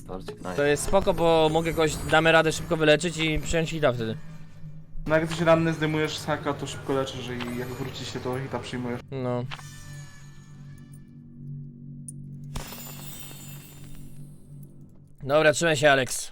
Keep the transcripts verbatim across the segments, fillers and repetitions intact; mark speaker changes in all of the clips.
Speaker 1: torcik, nice.
Speaker 2: To jest spoko, bo mogę kogoś, damy radę szybko wyleczyć i przyjąć hita wtedy.
Speaker 3: No jak jesteś ranny, zdejmujesz z haka, to szybko leczysz i jak wróci się, to hita przyjmujesz.
Speaker 2: No. Dobra, trzymaj się, Alex.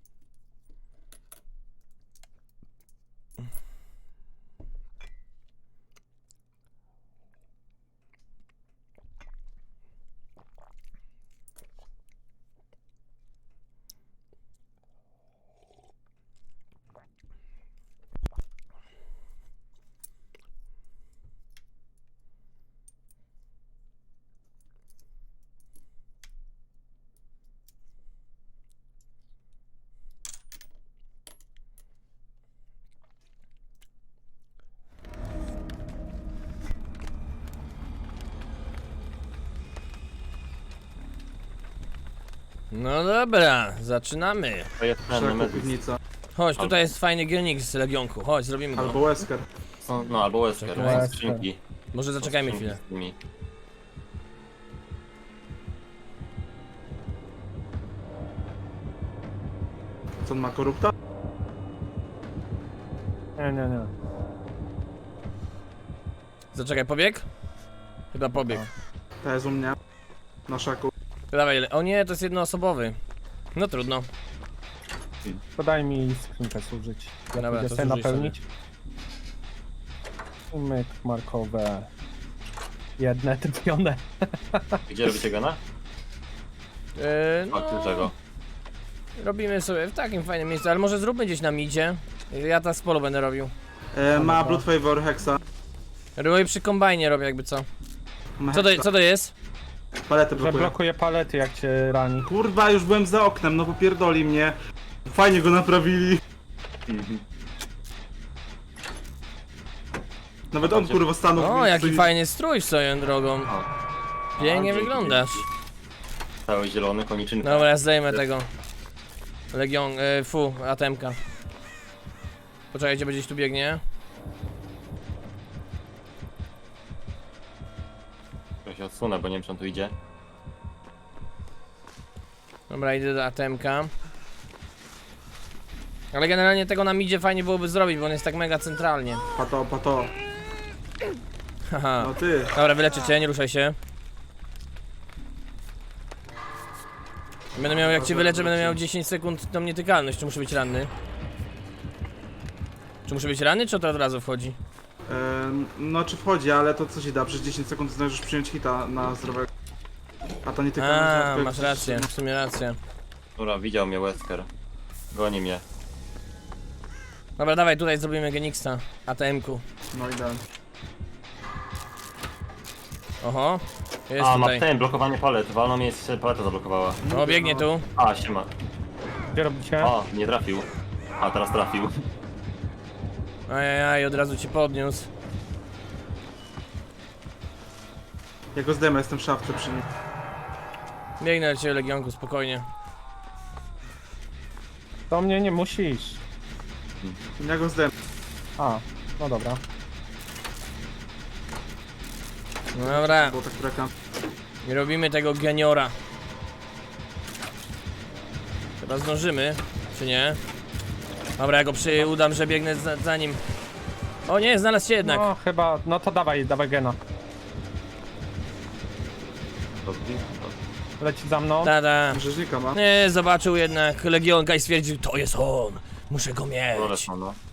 Speaker 2: No dobra, zaczynamy.
Speaker 1: To jest ten
Speaker 3: Szeroko
Speaker 1: Nemesis.
Speaker 3: piwnica.
Speaker 2: Chodź, tutaj jest fajny gionik z Legionku. Chodź, zrobimy
Speaker 3: Albo
Speaker 2: go.
Speaker 3: Wesker.
Speaker 1: Są- No albo Wesker,
Speaker 2: Czekaj.
Speaker 1: są skrzynki.
Speaker 2: Może
Speaker 1: Są
Speaker 2: zaczekajmy
Speaker 1: skrzynki
Speaker 2: chwilę.
Speaker 1: z tymi.
Speaker 3: Co on ma, korupta?
Speaker 4: Nie, nie, nie.
Speaker 2: Zaczekaj, pobieg? Chyba pobieg.
Speaker 3: To jest u mnie. Na szaku.
Speaker 2: Dawaj, le- o nie, to jest jednoosobowy. No trudno.
Speaker 4: Podaj mi skrzynkę służyć. Ja
Speaker 2: Dobra,
Speaker 4: pójdę
Speaker 2: to
Speaker 4: sobie
Speaker 2: zużyj
Speaker 4: napełnić. Myk markowe. Jedne trafione.
Speaker 1: Gdzie robicie gana?
Speaker 2: Yy,
Speaker 1: A
Speaker 2: no,
Speaker 1: tu czego?
Speaker 2: robimy sobie w takim fajnym miejscu, ale może zróbmy gdzieś na midzie. Ja ta z polu będę robił.
Speaker 3: E, ma Blood Favor, Hexa.
Speaker 2: Robię przy kombajnie, robię jakby co.
Speaker 3: Ma
Speaker 2: Co to,
Speaker 3: Hexa.
Speaker 2: co to jest?
Speaker 3: Paletę
Speaker 4: Że
Speaker 3: blokuje.
Speaker 4: blokuje palety jak cię rani.
Speaker 3: Kurwa, już byłem za oknem, no popierdoli mnie. Fajnie go naprawili. Nawet on kurwa stanął. w
Speaker 2: O,
Speaker 3: miejscu
Speaker 2: jaki
Speaker 3: i-
Speaker 2: fajny strój swoją drogą.
Speaker 1: O.
Speaker 2: Pięknie
Speaker 1: A, dzięki,
Speaker 2: wyglądasz.
Speaker 1: Cały zielony, koniczynka.
Speaker 2: Dobra, ja zdejmę tego. Legion, y, fu, atemka. Poczekajcie, będzie gdzieś tu biegnie.
Speaker 1: Ja się odsunę, bo nie wiem czy on tu idzie.
Speaker 2: Dobra, idę do atemka. Ale generalnie tego na midzie fajnie byłoby zrobić, bo on jest tak mega centralnie.
Speaker 3: Pato, pato.
Speaker 2: Haha.
Speaker 3: No ty.
Speaker 2: Dobra, wyleczę cię, nie ruszaj się. Będę miał, jak cię wyleczę, będę miał dziesięć sekund tą nietykalność. Czy muszę być ranny? Czy muszę być ranny, czy to od razu wchodzi?
Speaker 3: E, no czy wchodzi, ale to co ci da? Przez dziesięć sekund zdążysz przyjąć hita na zdrowego. A to nie tylko
Speaker 2: A, masz rację, w sumie rację.
Speaker 1: Dobra, widział mnie Wesker. Goni mnie.
Speaker 2: Dobra, dawaj, tutaj zrobimy Genixa, A T M-ku.
Speaker 3: No idealnie.
Speaker 2: Oho, jest
Speaker 1: A, ma
Speaker 2: tutaj.
Speaker 1: ten, blokowanie palet. Walną mnie, jest paleta zablokowała.
Speaker 2: O, biegnie tu.
Speaker 1: A, siema.
Speaker 4: Gdzie robicie?
Speaker 1: O, nie trafił. A, teraz trafił.
Speaker 2: Ajajaj, od razu cię podniósł.
Speaker 3: Ja go zdejmę, jestem w szafce przy nim.
Speaker 2: Biegnę do ciebie, Legionku, spokojnie.
Speaker 4: Do mnie nie musisz.
Speaker 3: Ja go zdejmę.
Speaker 4: A, no dobra.
Speaker 2: No dobra,
Speaker 3: Bo tak breka.
Speaker 2: i robimy tego geniora. Chyba zdążymy, czy nie? Dobra, ja go przy... udam, że biegnę za, za nim. O nie, znalazł się jednak.
Speaker 4: No chyba, no to dawaj, dawaj gena. Leci za mną.
Speaker 2: Tada.
Speaker 3: Rzeźnika ma.
Speaker 2: Nie, zobaczył jednak Legionka i stwierdził, to jest on. Muszę go
Speaker 1: Dole
Speaker 2: mieć.
Speaker 1: są, no.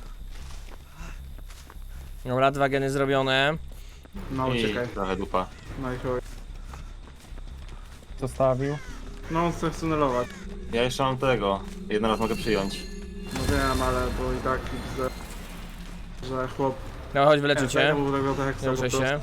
Speaker 2: Dobra, dwa geny zrobione.
Speaker 3: No
Speaker 1: I
Speaker 3: uciekaj.
Speaker 1: trochę dupa.
Speaker 3: No i chuj.
Speaker 4: Zostawił.
Speaker 3: No on chce tunelować.
Speaker 1: Ja jeszcze mam tego. Jeden raz mogę przyjąć.
Speaker 3: No wiem, ale bo i tak widzę, że chłop...
Speaker 2: No chodź, wyleczę cię.
Speaker 3: Zajmował tego tak jak
Speaker 2: Nie ruszaj się.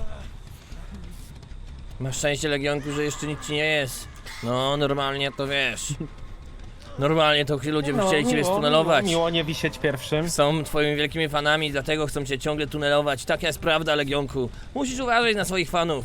Speaker 2: Masz szczęście, Legionku, że jeszcze nic ci nie jest. No, normalnie to wiesz. Normalnie to ludzie by chcieli ciebie
Speaker 4: miło,
Speaker 2: stunelować.
Speaker 4: Miło, miło nie wisieć pierwszym.
Speaker 2: Są twoimi wielkimi fanami, dlatego chcą cię ciągle tunelować. Taka jest prawda, Legionku. Musisz uważać na swoich fanów.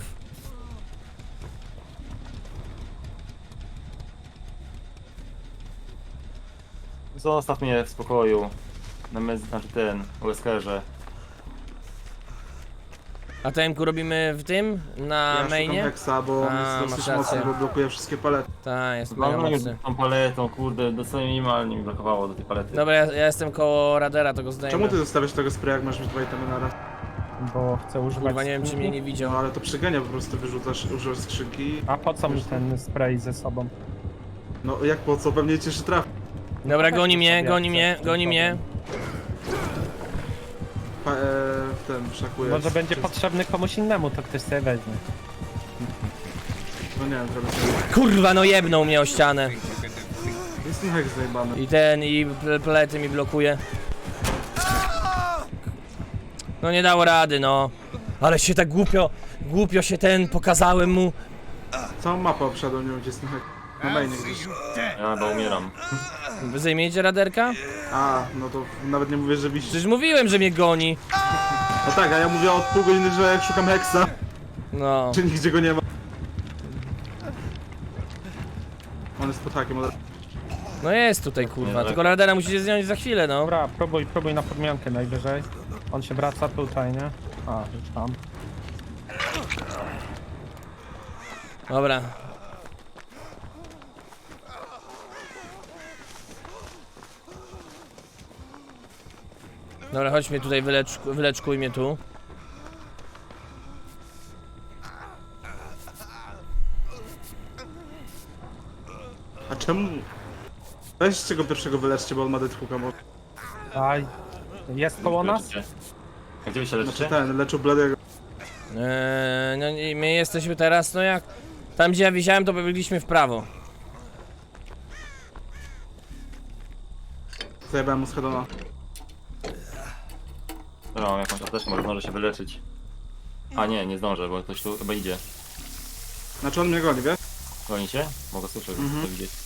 Speaker 1: Zostaw mnie w spokoju. Nemesis, znaczy ten, Weskerze.
Speaker 2: A T M-ku robimy w tym? Na
Speaker 3: Ja
Speaker 2: mainie?
Speaker 3: szukam Hexa, bo on
Speaker 2: A,
Speaker 3: jest
Speaker 2: masz
Speaker 3: dosyć mocny,
Speaker 2: rację.
Speaker 3: bo blokuje wszystkie palety.
Speaker 2: Tak, jest mega
Speaker 1: Walnąłem
Speaker 2: mocny.
Speaker 1: tą paletą, kurde, dosłownie minimalnie mi blokowało do tej palety.
Speaker 2: Dobra, ja, ja jestem koło radera, to go zdejmę.
Speaker 3: Czemu ty zostawiasz tego spraya, jak masz już dwa itemy na raz?
Speaker 4: Bo chcę używać
Speaker 2: Kurwa, nie wiem czy
Speaker 4: skrzynki.
Speaker 2: mnie nie widział.
Speaker 3: No ale to przegania, po prostu wyrzucasz, używasz skrzynki.
Speaker 4: A po co mi ten spray ze sobą?
Speaker 3: No jak po co? Pewnie cię jeszcze trafi.
Speaker 2: Dobra,
Speaker 4: tak,
Speaker 2: goni
Speaker 4: to
Speaker 2: mnie,
Speaker 4: sobie
Speaker 2: goni
Speaker 4: chcę
Speaker 2: mnie,
Speaker 4: z tym
Speaker 2: goni mnie.
Speaker 3: Pa, e, w ten, szakujesz.
Speaker 4: Może będzie
Speaker 3: Czy-
Speaker 4: potrzebny komuś innemu, to ktoś sobie weźmie.
Speaker 3: No nie wiem, zrobię sobie.
Speaker 2: Kurwa, no jebnął mnie o ścianę.
Speaker 3: Jest ten Hex zajebany.
Speaker 2: I ten, i ple- plety mi blokuje. No nie dało rady, no. Ale się tak głupio, głupio się ten, pokazałem mu.
Speaker 3: Całą mapę obszedłem, nie wiem gdzie jest ten Hex. Na mainie gdzieś.
Speaker 1: Ja chyba umieram.
Speaker 2: Wy zajmiecie raderka?
Speaker 3: A, no to nawet nie mówię, że wisi.
Speaker 2: Przecież mówiłem, że mnie goni.
Speaker 3: No tak, a ja mówię od pół godziny, że szukam Hexa,
Speaker 2: No.
Speaker 3: czy nigdzie go nie ma. On jest pod hakiem od razu.
Speaker 2: No jest tutaj, kurwa. Tylko radera musicie zdjąć za chwilę, no.
Speaker 4: Dobra, próbuj, próbuj na podmiankę najwyżej. On się wraca tutaj, nie? A, już tam.
Speaker 2: Dobra. Dobra, chodź mnie tutaj, wylecz, wyleczkuj mnie tu.
Speaker 3: A czemu? Weźcie go pierwszego wyleczcie, bo on ma deadhooka, bo...
Speaker 4: Aj, jest koło nas?
Speaker 1: Leczycie? A gdzie wy się
Speaker 3: Znaczy
Speaker 1: leczycie?
Speaker 3: ten, leczył Bladego.
Speaker 2: Eee, no i my jesteśmy teraz, no jak... Tam gdzie ja wisiałem, to biegliśmy w prawo.
Speaker 3: Zajebałem mu z headona.
Speaker 1: Dobra, mam jakąś apteczkę, może zdążę się wyleczyć. A nie, nie zdążę, bo ktoś tu chyba idzie.
Speaker 3: Znaczy on mnie goni, wiesz?
Speaker 1: Gonicie? Mogę słyszeć,
Speaker 3: Mhm.
Speaker 1: to widzieć.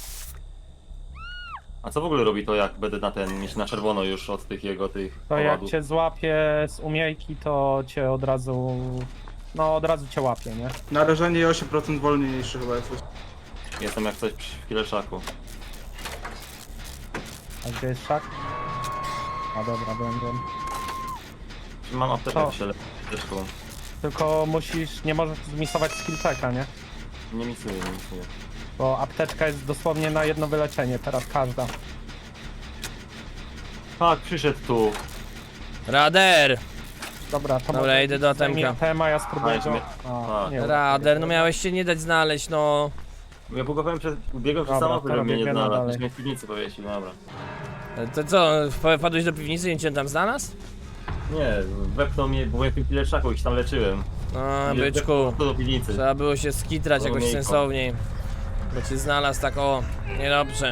Speaker 1: A co w ogóle robi to, jak będę na ten, niż na czerwono już od tych jego, tych
Speaker 4: To jak
Speaker 1: owadów?
Speaker 4: cię złapie z umiejki, to cię od razu... No, od razu cię łapie, nie?
Speaker 3: Narażenie osiem procent wolniejszy chyba jesteś.
Speaker 1: Jestem jak coś przy kileszaku.
Speaker 4: A gdzie jest szak? A dobra, wiem, wiem.
Speaker 1: Mam apteczkę,
Speaker 4: Co?
Speaker 1: się leczę apteczką.
Speaker 4: Tylko musisz, nie możesz zmisować skill checka, nie?
Speaker 1: Nie misuję, nie misuję.
Speaker 4: Bo apteczka jest dosłownie na jedno wyleczenie, teraz każda.
Speaker 1: Tak, przyszedł tu.
Speaker 2: Rader!
Speaker 4: Dobra, to
Speaker 2: Dobra,
Speaker 4: może
Speaker 2: idę do
Speaker 4: zajmij
Speaker 2: Atemka.
Speaker 4: Atema, ja spróbuję
Speaker 1: A, jeszcze
Speaker 4: go...
Speaker 1: mnie-
Speaker 4: A,
Speaker 1: a.
Speaker 4: nie
Speaker 2: Rader, no miałeś się nie dać znaleźć, no.
Speaker 1: Ja bugowałem przez, biegłem przez
Speaker 4: Dobra,
Speaker 1: samochód,
Speaker 4: to
Speaker 1: żeby mnie nie
Speaker 4: robię
Speaker 1: znalazł.
Speaker 4: dalej.
Speaker 1: Ktoś mnie w piwnicy powiesił, no dobra.
Speaker 2: To co, wpadłeś do piwnicy i cię tam znalazł?
Speaker 1: Nie, wepchnął mnie, bo byłem w tym kileszaku i się tam leczyłem.
Speaker 2: No,
Speaker 1: I
Speaker 2: byczku.
Speaker 1: wepchnął do piwnicy.
Speaker 2: Trzeba było się skitrać jakoś
Speaker 1: Umiejką.
Speaker 2: sensowniej. Bo cię znalazł tak o, niedobrze.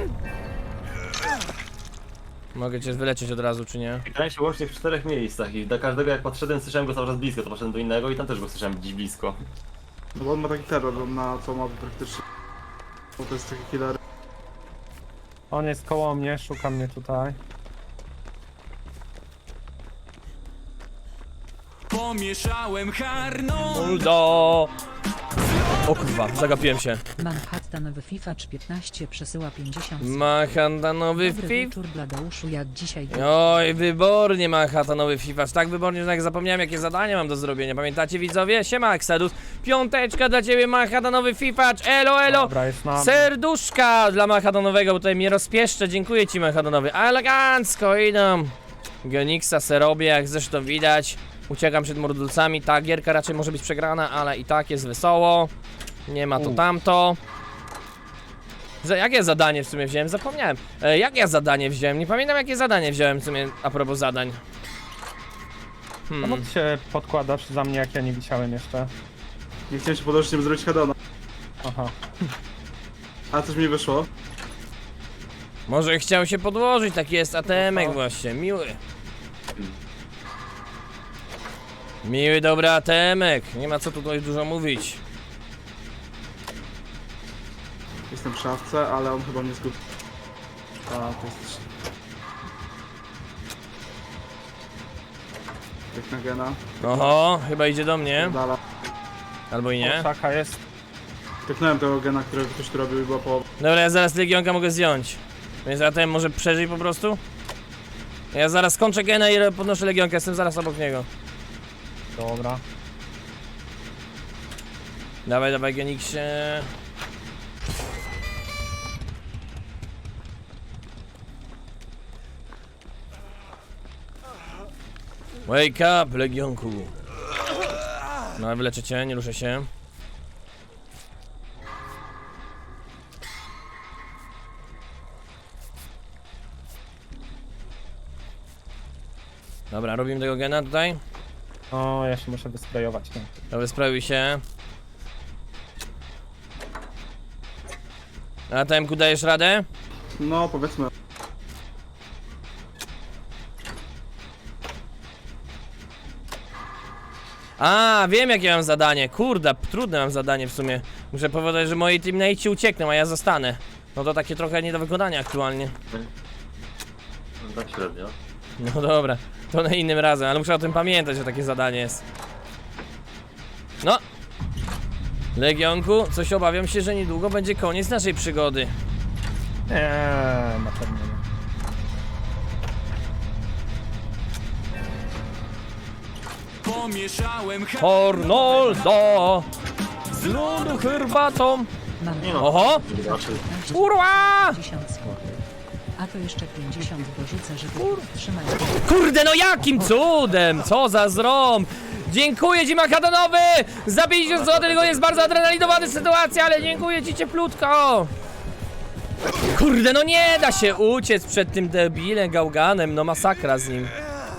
Speaker 2: Mogę cię wyleczyć od razu, czy nie?
Speaker 1: Grałem się łącznie w czterech miejscach i do każdego jak podszedłem słyszałem go cały czas blisko, to poszedłem do innego i tam też go słyszałem gdzieś blisko.
Speaker 3: No bo on ma taki terror on na co ma praktycznie. Bo to jest taki killer.
Speaker 4: On jest koło mnie, szuka mnie tutaj.
Speaker 5: Pomieszałem harną.
Speaker 2: Uldo! O kurwa, zagapiłem się.
Speaker 6: Manhattanowy Fifacz piętnaście przesyła pięćdziesiąt.
Speaker 2: Manhattanowy
Speaker 6: Dobry
Speaker 2: Fif.
Speaker 6: wieczór Bladeuszu, jak dzisiaj
Speaker 2: Oj, wybornie Manhattanowy Fifacz. Tak wybornie, że jak zapomniałem jakie zadanie mam do zrobienia. Pamiętacie widzowie? Siema Exodus. Piąteczka dla ciebie Manhattanowy Fifacz. Elo, elo!
Speaker 4: Dobra, jest na...
Speaker 2: Serduszka dla Manhattanowego, bo tutaj mnie rozpieszczę. Dziękuję ci Manhattanowy. Elegancko idą. Genixa se robię, jak zresztą widać. Uciekam przed mordulcami. Ta gierka raczej może być przegrana, ale i tak jest wesoło. Nie ma to
Speaker 4: U.
Speaker 2: tamto. Za, jakie zadanie w sumie wziąłem? Zapomniałem. E, jakie ja zadanie wziąłem? Nie pamiętam jakie zadanie wziąłem w sumie a propos zadań.
Speaker 4: Czemu
Speaker 2: Hmm.
Speaker 4: ty się podkładasz za mnie, jak ja nie wisiałem jeszcze?
Speaker 3: Nie chciałem się podłożyć, żeby zrobić headona.
Speaker 4: Aha.
Speaker 3: A coś mi wyszło.
Speaker 2: Może chciał się podłożyć, taki jest A T M-ek właśnie, miły. Miły, dobry A T M-ek, nie ma co tutaj dużo mówić.
Speaker 3: Jestem w szafce, ale on chyba mnie zgubił. A, to jest... Jak na gena.
Speaker 2: Oho, chyba idzie do mnie,
Speaker 3: Dala.
Speaker 2: albo i nie.
Speaker 4: Szaka jest.
Speaker 3: Tyknąłem tego gena, którego ktoś tu robił i była połowa.
Speaker 2: Dobra, ja zaraz Legionka mogę zdjąć. Więc A T M może przeżyć po prostu? Ja zaraz kończę gena i podnoszę Legionkę, jestem zaraz obok niego.
Speaker 4: Dobra.
Speaker 2: Dawaj, dawaj, Geniksie. Wake up, Legionku. No, wyleczę cię, nie ruszę się. Dobra, robimy tego gena tutaj.
Speaker 4: O, ja się muszę wysprejować. No.
Speaker 2: Dobra, sprawił się. A T M ku dajesz radę?
Speaker 3: No, powiedzmy.
Speaker 2: A, wiem jakie mam zadanie. Kurde, trudne mam zadanie w sumie. Muszę powiedzieć, że moi teammate'ci uciekną, a ja zostanę. No to takie trochę nie do wykonania aktualnie.
Speaker 1: Tak średnio.
Speaker 2: No dobra, to na innym razem, ale muszę o tym pamiętać, że takie zadanie jest. No. Legionku, coś obawiam się, że niedługo będzie koniec naszej przygody.
Speaker 4: Eee, na pewno nie.
Speaker 5: Pomieszałem har...
Speaker 2: Hornoldo! Z lodu herbatą!
Speaker 6: Mam
Speaker 1: Nie no.
Speaker 2: Oho!
Speaker 1: Raczej.
Speaker 2: Kurwa!
Speaker 6: pięćdziesiąt złotych. A to jeszcze pięćdziesiąt dorzucę, żeby trzymać.
Speaker 2: Kurde, no jakim cudem! Co za zrąb! Dziękuję ci, Makadanowy! Za pięćdziesiąt złotych, tylko jest bardzo adrenalinowany sytuacja, ale dziękuję ci cieplutko! Kurde, no nie da się uciec przed tym debilem gałganem, no masakra z nim.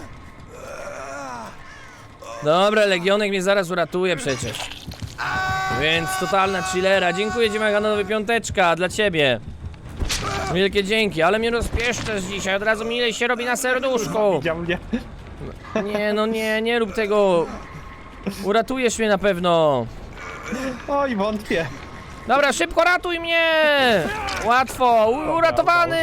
Speaker 2: Dobra, Legionek mnie zaraz uratuje przecież. Więc totalna chillera. Dziękuję ci, Makadanowy, piąteczka dla ciebie. Wielkie dzięki, ale mnie rozpieszczasz dzisiaj, od razu mi ile się robi na serduszku.
Speaker 4: Widział mnie.
Speaker 2: Nie, no nie, nie rób tego. Uratujesz mnie na pewno.
Speaker 4: Oj, wątpię.
Speaker 2: Dobra, szybko ratuj mnie! Łatwo, u- uratowany!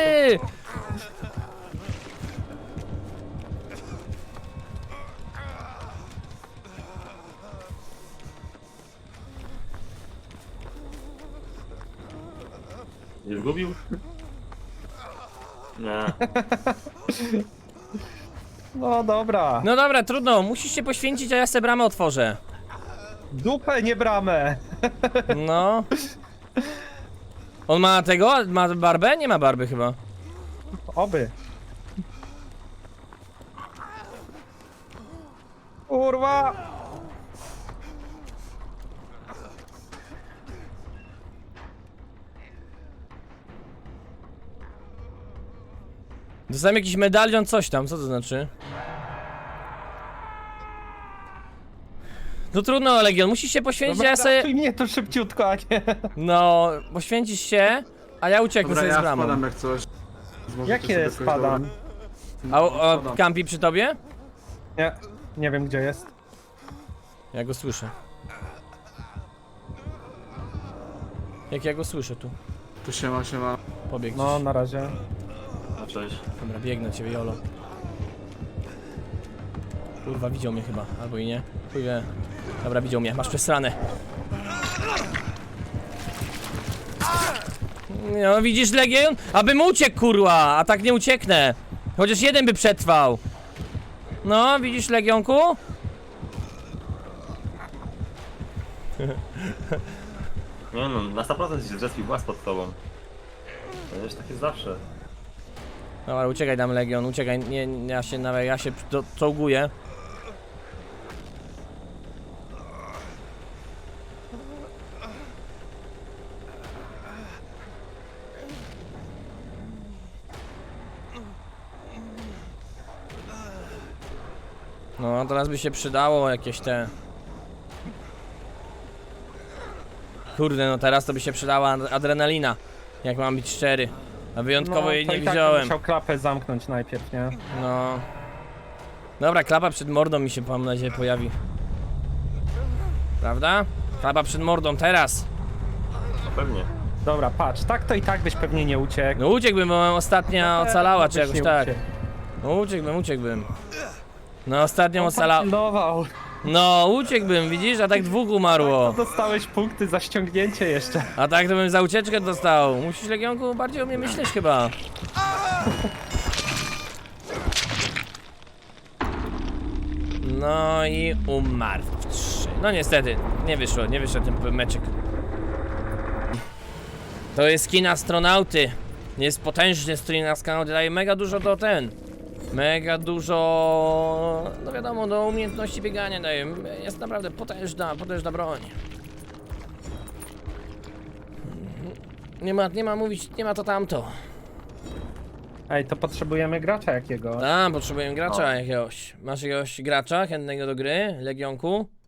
Speaker 1: Nie zgubił? Nie.
Speaker 4: No dobra.
Speaker 2: No dobra, trudno, musisz się poświęcić, a ja se bramę otworzę.
Speaker 4: Dupę, nie bramę.
Speaker 2: No. On ma tego? Ma barbę? Nie ma barby chyba.
Speaker 4: Oby. Kurwa.
Speaker 2: Dostałem jakiś medalion, coś tam, co to znaczy? No trudno, Legion, musisz się poświęcić, a ja sobie...
Speaker 4: Ratuj mnie tu szybciutko, a nie.
Speaker 2: No, poświęcisz się, a ja ucieknę
Speaker 3: Dobra,
Speaker 2: sobie z
Speaker 3: ja
Speaker 2: bramą.
Speaker 3: spadam jak coś. Zможecie
Speaker 4: Jakie
Speaker 3: sobie jakoś
Speaker 4: spadam?
Speaker 3: dobra.
Speaker 2: A, a
Speaker 3: Spadam.
Speaker 2: Kampi przy tobie?
Speaker 4: Nie, nie wiem gdzie jest.
Speaker 2: Ja go słyszę. Jak ja go słyszę tu?
Speaker 3: Tu siema, siema.
Speaker 2: Pobiegł
Speaker 4: No,
Speaker 2: gdzieś.
Speaker 4: na razie.
Speaker 1: No cześć.
Speaker 2: Dobra, biegnę do ciebie, Jolo. Kurwa, widział mnie chyba, albo i nie. Chuj wie. Dobra, widział mnie, masz przesrane. No widzisz, Legion? Abym uciekł, kurwa, a tak nie ucieknę. Chociaż jeden by przetrwał. No, widzisz, Legionku?
Speaker 1: Nie no, na sto procent się zrespił włas pod tobą. To już tak jest zawsze.
Speaker 2: Dobra, uciekaj tam, Legion, uciekaj, nie, nie, ja się nawet, ja się do- czołguję. No, teraz by się przydało jakieś te... Kurde, no teraz to by się przydała ad- adrenalina, jak mam być szczery. A wyjątkowo
Speaker 4: No,
Speaker 2: jej
Speaker 4: to
Speaker 2: nie
Speaker 4: i tak bym
Speaker 2: wziąłem.
Speaker 4: musiał klapę zamknąć najpierw, nie?
Speaker 2: No. Dobra, klapa przed mordą mi się, mam nadzieję, pojawi. Prawda? Klapa przed mordą, teraz.
Speaker 1: No pewnie.
Speaker 4: Dobra, patrz, tak to i tak byś pewnie nie uciekł.
Speaker 2: No uciekłbym, bo ostatnia ocalała, czy
Speaker 4: Byś
Speaker 2: jakoś
Speaker 4: nie
Speaker 2: tak.
Speaker 4: uciekł.
Speaker 2: No uciekłbym, uciekłbym. No ostatnią
Speaker 4: On
Speaker 2: ocalała.
Speaker 4: pilnował.
Speaker 2: No uciekłbym, widzisz? A tak dwóch umarło.
Speaker 4: To dostałeś punkty za ściągnięcie jeszcze.
Speaker 2: A tak to bym za ucieczkę dostał. Musisz, Legionku, bardziej o mnie myśleć chyba. No i umarł w trzy. No niestety, nie wyszło, nie wyszło ten meczek. To jest skin astronauty. Jest potężny skin astronauty, daje mega dużo do ten. Mega dużo, no wiadomo, do umiejętności biegania daje. Jest naprawdę potężna, potężna broń. Nie ma, nie ma mówić, nie ma to tamto.
Speaker 4: Ej, to potrzebujemy gracza jakiego?
Speaker 2: Tam, potrzebujemy gracza
Speaker 1: O.
Speaker 2: jakiegoś. Masz jakiegoś gracza chętnego do gry? Legionku?